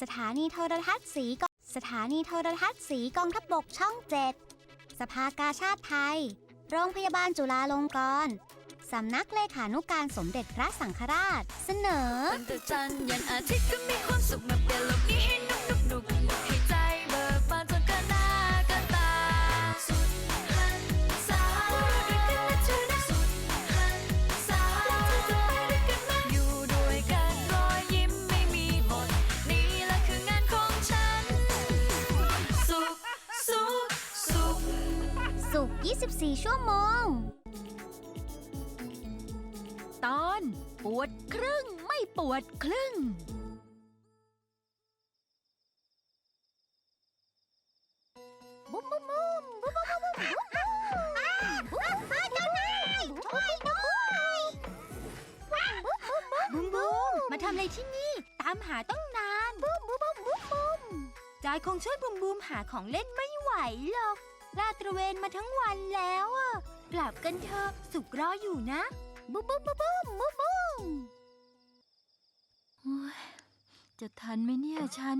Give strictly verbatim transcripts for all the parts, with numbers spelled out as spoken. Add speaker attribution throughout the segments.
Speaker 1: สถานีโทรทัศน์สีกสถานีโทรทัศน์สีกองทัพบกช่องเจ็ดสภากาชาดไทยโรงพยาบาลจุฬาลงกรณ์สำนักเลขานุการสมเด็จพระสังฆราชเสนอ
Speaker 2: ตั้งแต่จันทร์ยันอาทิตย์ก็มีความสุขมาเปลี่ยนโลกนี้ให้นุกนุกนุกให้ใจเบิกบานจนเกินหน้าเกินตาสุดหันษาด้วยกันนะเธอนะสุดหันษาเราจะไปด้วยกันไหมอยู่ด้วยกันรอยยิ้มไม่มีหมดนี่แหละคืองานของฉันสุขสุขสุข
Speaker 1: สุขยี่สิบสี่ชั่วโมง
Speaker 3: ตอนปวดครึ่งไม่ปวดครึ่ง
Speaker 1: บุ้มบุ้มบุ้มบุ้มบุ้มบุ้มบุ้มบุ้มบุ้มเจ้านายช่วยด้วยบุ้มบุ้มมาทำอะไรที่นี่ตามหาต้องนานบุ้มบุ้มบุ้มบุ้มบุ้มจอยคงช่วยบุ้มบุ้มหาของเล่นไม่ไหวหรอกลาดตระเวนมาทั้งวันแล้วอ่ะกลับกันเถอะสุกรออยู่นะบุ้มบุ้มบุ้มบุ้มบุ้มบุ้ม
Speaker 3: จะทันไหมเนี่ยฉัน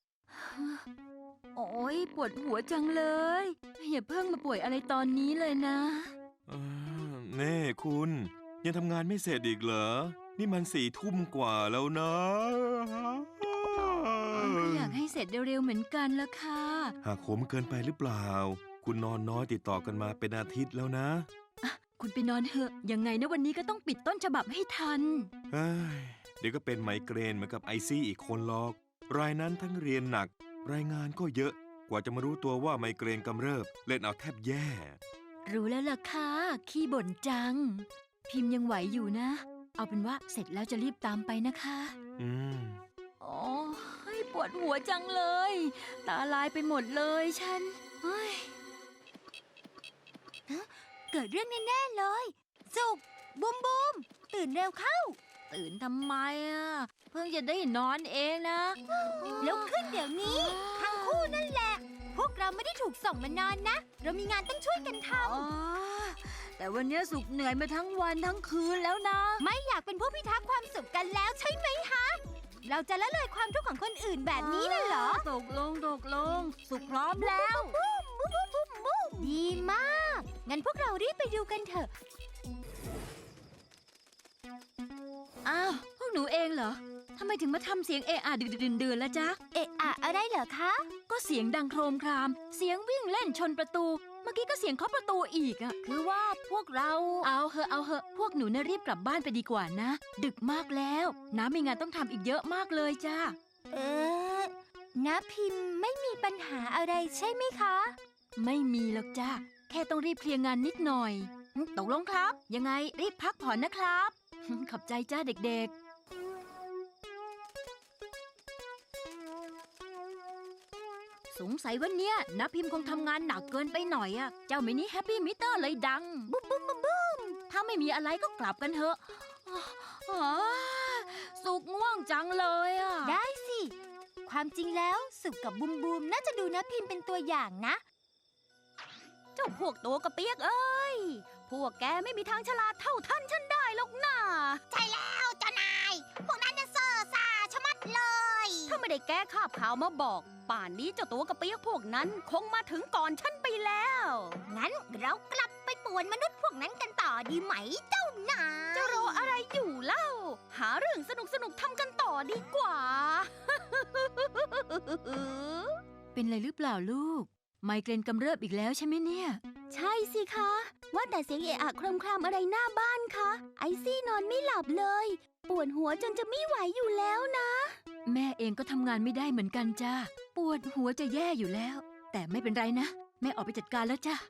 Speaker 3: โอ้ยปวดหัวจังเลย อย่าเพิ่งมาป่วยอะไรตอนนี้เลยนะ
Speaker 4: เน่คุณยังทำงานไม่เสร็จอีกเหรอนี่มันสี่ทุ่มกว่าแล้วนะ
Speaker 3: อยากให้เสร็จเร็วๆเหมือนกันละค่ะ
Speaker 4: หากขมเกินไปหรือเปล่าคุณนอนน้อยติดต่อกันมาเป็นอาทิตย์แล้วนะ
Speaker 3: คุณไปนอนเถอะยังไงนะวันนี้ก็ต้องปิดต้นฉบับให้ทัน
Speaker 4: เฮ้ยเดี๋ยวก็เป็นไมเกรนเหมือนกับไอซี่อีกคนหรอกรายนั้นทั้งเรียนหนักรายงานก็เยอะกว่าจะมารู้ตัวว่าไมเกรนกำเริบเล่นเอาแทบแย่
Speaker 3: รู้แล้วล่ะค่ะขี้บ่นจังพิมพ์ยังไหวอยู่นะเอาเป็นว่าเสร็จแล้วจะรีบตามไปนะคะ
Speaker 4: อืม
Speaker 3: โอ้ยปวดหัวจังเลยตาลายไปหมดเลยฉันเฮ้ย
Speaker 1: เกิดเรื่องแน่ๆเลยสุกบุ้มบุ้มตื่นเร็วเข้า
Speaker 3: ตื่นทำไมอ่ะเพิ่งจะได้นอนเองนะ
Speaker 1: ลุกขึ้นเดี๋ยวนี้ทั้งคู่นั่นแหละพวกเราไม่ได้ถูกส่งมานอนนะเรามีงานต้องช่วยกันท
Speaker 3: ำแต่วันนี้สุกเหนื่อยมาทั้งวันทั้งคืนแล้วนะ
Speaker 1: ไม่อยากเป็นผู้พิทักษ์ความสุขกันแล้วใช่ไหมฮะเราจะละเลยความทุกข์ของคนอื่นแบบนี้น่ะเหรอ
Speaker 3: ตกลงตกลงสุกพร้อมแล้ว
Speaker 1: ดีมากงั้นพวกเรารีบไปดูกันเถอะ
Speaker 3: อ้าวพวกหนูเองเหรอทำไมถึงมาทำเสียงเอะอะดื่นๆแล้วจ๊ะ
Speaker 1: เอะอะอะไรเหรอคะ
Speaker 3: ก็เสียงดังโครมครามเสียงวิ่งเล่นชนประตูเมื่อกี้ก็เสียงเคาะประตูอีกอ่ะคือว่าพวกเราเอาเหอะเอาเหอะพวกหนูน่ะรีบกลับบ้านไปดีกว่านะดึกมากแล้วน้ามีงานต้องทำอีกเยอะมากเลยจ้า
Speaker 1: เอ๊ะน้าพิมพ์ไม่มีปัญหาอะไรใช่ไหมคะ
Speaker 3: ไม่มีหรอกจ้าแค่ต้องรีบเคลียร์งานนิดหน่อยตกลงครับยังไงรีบพักผ่อนนะครับขอบใจจ้าเด็กๆสงสัยวันเนี้ยน้าพิมพ์คงทำงานหนักเกินไปหน่อยอะเจ้ามินิแฮปปี้มิเตอร์เลยดัง
Speaker 1: บุ้มบุ้มบุ้มบุ้ม
Speaker 3: ถ้าไม่มีอะไรก็กลับกันเถอะสุกง่วงจังเลยอะ
Speaker 1: ได้สิความจริงแล้วสุกกับบุ้มบุ้มน่าจะดูน้าพิมพ์เป็นตัวอย่างนะ
Speaker 3: เจ้าพวกตัวกระเปียกเอ้ยพวกแกไม่มีทางฉลาดเท่าท่านฉันได้หรอกนะ
Speaker 1: ใช่แล้วเจ้านายพวกนั้นจะเซ่อซ่าชะมัดเลย
Speaker 3: ถ้าไม่ได้แก้คาบข่าวมาบอกป่านนี้เจ้าตัวกระเปียกพวกนั้นคงมาถึงก่อนฉันไปแล้ว
Speaker 1: งั้นเรากลับไปป่วนมนุษย์พวกนั้นกันต่อดีไหมเจ้านาย
Speaker 3: จะรออะไรอยู่เล่าหาเรื่องสนุกสนุกทำกันต่อดีกว่า เป็นไรหรือเปล่าลูกไมเกรนกำเริบอีกแล้วใช่ไหมเนี่ย
Speaker 1: ใช่สิคะว่าแต่เสียงเอะอะครมครามอะไรหน้าบ้านคะไอซี่นอนไม่หลับเลยปวดหัวจนจะไม่ไหวอยู่แล้วนะ
Speaker 3: แม่เองก็ทำงานไม่ได้เหมือนกันจ้าปวดหัวจะแย่อยู่แล้วแต่ไม่เป็นไรนะแม่ออกไปจัดการแล้วจ้า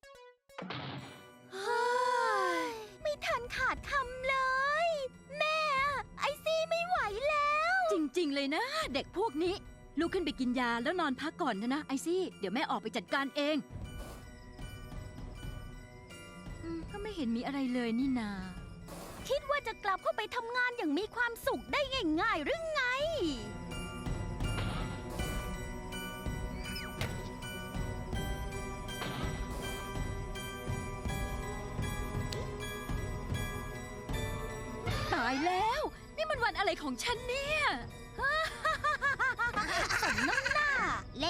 Speaker 1: ไม่ทันขาดคำเลยแม่ไอซี่ไม่ไหวแล้ว
Speaker 3: จริงๆเลยนะเด็กพวกนี้ลุกขึ้นไปกินยาแล้วนอนพักก่อนนะนะไอซี่เดี๋ยวแม่ออกไปจัดการเองก็ไม่เห็นมีอะไรเลยนี่นา
Speaker 1: คิดว่าจะกลับเข้าไปทำงานอย่างมีความสุขได้ง่ายๆหรือไง
Speaker 3: ตายแล้วนี่มันวันอะไรของฉันเนี่ย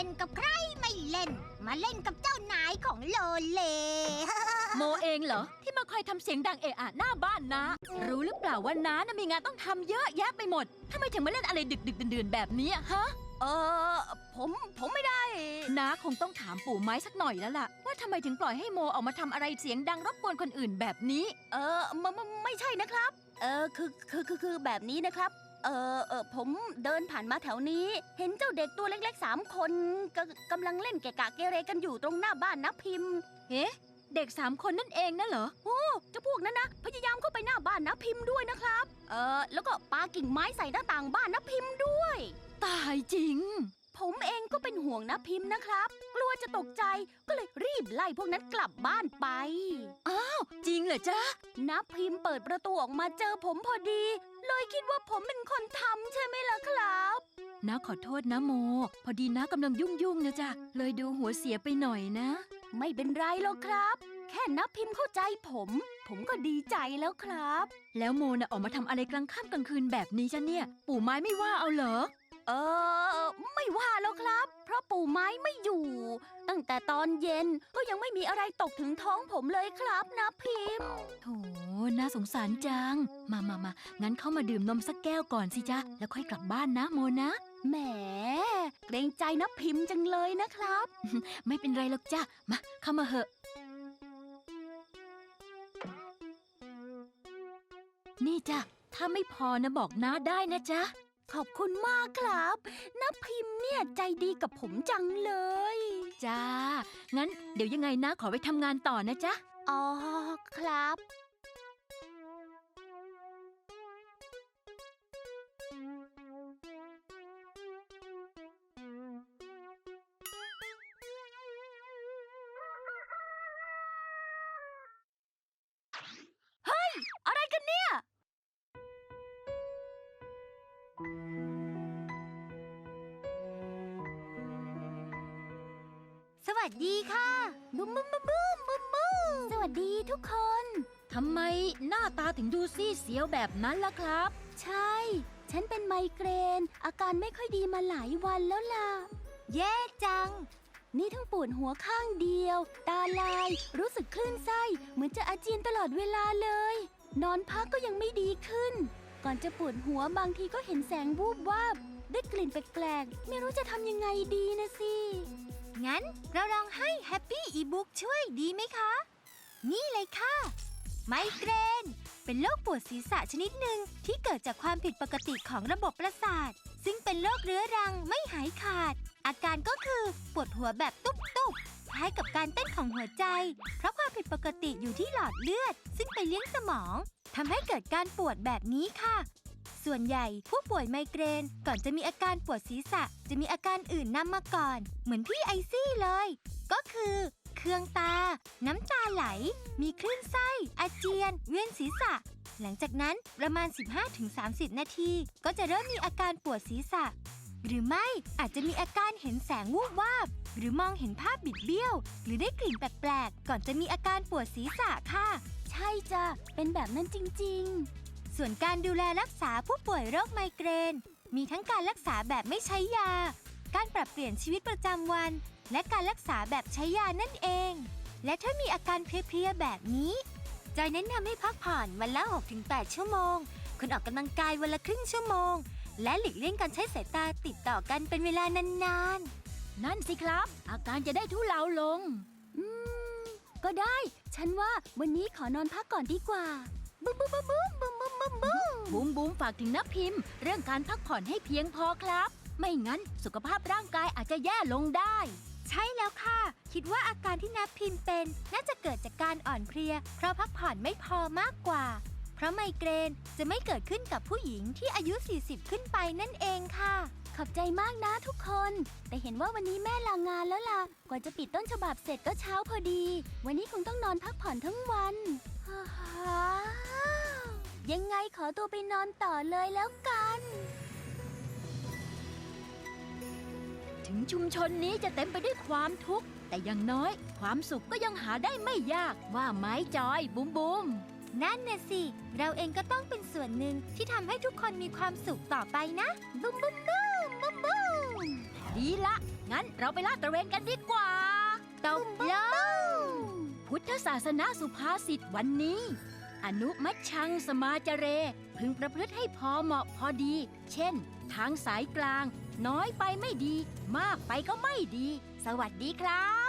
Speaker 1: นกับใครไม่เล่น มาเล่นกับเจ้านายของโลเล
Speaker 3: โมเองเหรอ ที่มาคอยทำเสียงดังเอะอะหน้าบ้านนะ รู้หรือเปล่าว่าน้านะมีงานต้องทำเยอะแยะไปหมดทำไมถึงมาเล่นอะไรดึกดึกดื่นๆแบบนี้ฮะ
Speaker 5: เออผมผมไม่ได้
Speaker 3: น้าคงต้องถามปู่ไม้สักหน่อยแล้วล่ะ ว่าทำไมถึงปล่อยให้โมออกมาทำอะไรเสียงดังรบกวนคนอื่นแบบนี้
Speaker 5: เออไม่ไม่ไม่ใช่นะครับ เออคือคือคือคือแบบนี้นะครับ เออเออผมเดินผ่านมาแถวนี้ เห็นเจ้าเด็กตัวเล็กๆสามคนกกำลังเล่นเกะกะเกเรกันอยู่ตรงหน้าบ้านนะพิมพ์
Speaker 3: เอ๊ะ เด็กสามคนนั่นเองนะเหรอ
Speaker 5: โอ้เจ้าพวกนั้นนะพยายามเข้าไปหน้าบ้านนะพิมพ์ด้วยนะครับ เออแล้วก็ปากิ่งไม้ใส่หน้าต่างบ้านนะพิมพ์ด้วย
Speaker 3: ตายจริง
Speaker 5: ผมเองก็เป็นห่วงนะพิมพ์นะครับ กลัวจะตกใจก็เลยรีบไล่พวกนั้นกลับบ้านไป
Speaker 3: จริงเหรอจ๊ะ
Speaker 5: นับพิมพ์เปิดประตูออกมาเจอผมพอดี เลยคิดว่าผมเป็นคนทำใช่ไหมล่ะครับ
Speaker 3: น้าขอโทษนะโม พอดีน้ากำลังยุ่งๆนะจ๊ะ เลยดูหัวเสียไปหน่อยนะ
Speaker 5: ไม่เป็นไรหรอกครับ แค่นับพิมพ์เข้าใจผม ผมก็ดีใจแล้วครับ
Speaker 3: แล้วโมน่ะออกมาทำอะไรกลางค่ำกลางคืนแบบนี้จ้ะเนี่ย ปู่ไม้ไม่ว่าเอาเหรอ
Speaker 5: เออไม่ว่าแล้วครับ เพราะปู่ไม้ไม่อยู่ ตั้งแต่ตอนเย็นก็ยังไม่มีอะไรตกถึงท้องผมเลยครับนับพิมพ์
Speaker 3: โถ น่าสงสารจัง มามามางั้นเข้ามาดื่มนมสักแก้วก่อนสิจ๊ะ แล้วค่อยกลับบ้านนะโมนะ
Speaker 5: แหมเกรงใจนับพิมพ์จังเลยนะครับ
Speaker 3: ไม่เป็นไรหรอกจ้ะ มาเข้ามาเหอะ นี่จ้ะ ถ้าไม่พอนะบอกน้าได้นะจ๊ะ
Speaker 5: ขอบคุณมากครับนับพิมพ์เนี่ยใจดีกับผมจังเลย
Speaker 3: จ้า งั้นเดี๋ยวยังไงนะขอไปทำงานต่อนะจ๊ะ
Speaker 5: อ๋อครับ เฮ้ย อะไรกันเนี่ย
Speaker 1: สวัสดีค่ะบุ้มบุ้มบุ้มบุ้มบุ้มบุ้ม
Speaker 5: สวัสดีทุกคน
Speaker 3: ทำไมหน้าตาถึงดูซีดเสียวแบบนั้นล่ะครับ
Speaker 5: ใช่ ฉันเป็นไมเกรน อาการไม่ค่อยดีมาหลายวันแล้วล่ะ
Speaker 1: แย่จัง
Speaker 5: นี่ทั้งปวดหัวข้างเดียว ตาลาย รู้สึกคลื่นไส้ เหมือนจะอาเจียนตลอดเวลาเลย นอนพักก็ยังไม่ดีขึ้น ก่อนจะปวดหัวบางทีก็เห็นแสงวูบวาบ ได้กลิ่นแปลกๆ ไม่รู้จะทำยังไงดีนะสิ
Speaker 1: งั้นเราลองให้แฮปปี้อีบุ๊กช่วยดีไหมคะ นี่เลยค่ะ ไมเกรน เป็นโรคปวดศีรษะชนิดหนึ่งที่เกิดจากความผิดปกติของระบบประสาท ซึ่งเป็นโรคเรื้อรังไม่หายขาด อาการก็คือปวดหัวแบบตุ๊บๆคล้ายกับการเต้นของหัวใจ เพราะความผิดปกติอยู่ที่หลอดเลือด ซึ่งไปเลี้ยงสมองทำให้เกิดการปวดแบบนี้ค่ะ ส่วนใหญ่ผู้ป่วยไมเกรนก่อนจะมีอาการปวดศีรษะจะมีอาการอื่นนำมาก่อน เหมือนพี่ไอซี่เลย ก็คือเคืองตา น้ำตาไหล มีคลื่นไส้ อาเจียน เวียนศีรษะ หลังจากนั้นประมาณ สิบห้าถึงสามสิบ นาที ก็จะเริ่มมีอาการปวดศีรษะ หรือไม่อาจจะมีอาการเห็นแสงวูบวาบ หรือมองเห็นภาพบิดเบี้ยว หรือได้กลิ่นแปลกๆ ก่อนจะมีอาการปวดศีรษะค่ะ
Speaker 5: ใช่จ้ะ เป็นแบบนั้นจริง
Speaker 1: ส่วนการดูแลรักษาผู้ป่วยโรคไมเกรน มีทั้งการรักษาแบบไม่ใช้ยา การปรับเปลี่ยนชีวิตประจำวัน และการรักษาแบบใช้ยานั่นเอง และถ้ามีอาการเพลียๆแบบนี้จอยแนะนำให้พักผ่อนวันละ หกถึงแปด ชั่วโมง คุณออกกำลังกายวันละครึ่งชั่วโมง และหลีกเลี่ยงการใช้สายตาติดต่อกันเป็นเวลานาน
Speaker 3: นั่นสิครับ อาการจะได้ทุเลาลง
Speaker 5: ๆ อืม ก็ได้ ฉันว่าวันนี้ขอนอนพักก่อนดีกว่า
Speaker 1: ๆ บุ้มบุ้มบุ้มบุ้มบุ้มบุ้มบุ้มบุ้ม
Speaker 3: บูมบูมฝากถึงนับพิมพ์ เรื่องการพักผ่อนให้เพียงพอครับ ไม่งั้นสุขภาพร่างกายอาจจะแย่ลงได้
Speaker 1: ใช่แล้วค่ะ คิดว่าอาการที่นับพิมพ์เป็นน่าจะเกิดจากการอ่อนเพลีย เพราะพักผ่อนไม่พอมากกว่า เพราะไมเกรนจะไม่เกิดขึ้นกับผู้หญิงที่อายุ สี่สิบ ขึ้นไปนั่นเองค่ะ
Speaker 5: ขอบใจมากนะทุกคน แต่เห็นว่าวันนี้แม่ลางานแล้วล่ะ กว่าจะปิดต้นฉบับเสร็จก็เช้าพอดี วันนี้คงต้องนอนพักผ่อนทั้งวันฮ่าฮ่ายังไงขอตัวไปนอนต่อเลยแล้วกัน
Speaker 3: ถึงชุมชนนี้จะเต็มไปด้วยความทุกข์ แต่อย่างน้อย ความสุขก็ยังหาได้ไม่ยากว่าไหมจอยบูมบูม
Speaker 1: นั่นน่ะสิ เราเองก็ต้องเป็นส่วนหนึ่งที่ทำให้ทุกคนมีความสุขต่อไปนะ บุ้มบุ้มบุ้มบุ้มบุ้ม
Speaker 3: ดีละงั้นเราไปลาดตระเวนกันดีกว่า
Speaker 1: ตกลง
Speaker 3: พุทธศาสนาสุภาษิตวันนี้ อนุมัชชังสมาจเร พึงประพฤติให้พอเหมาะพอดี เช่น ทางสายกลาง น้อยไปไม่ดี มากไปก็ไม่ดี สวัสดีครับ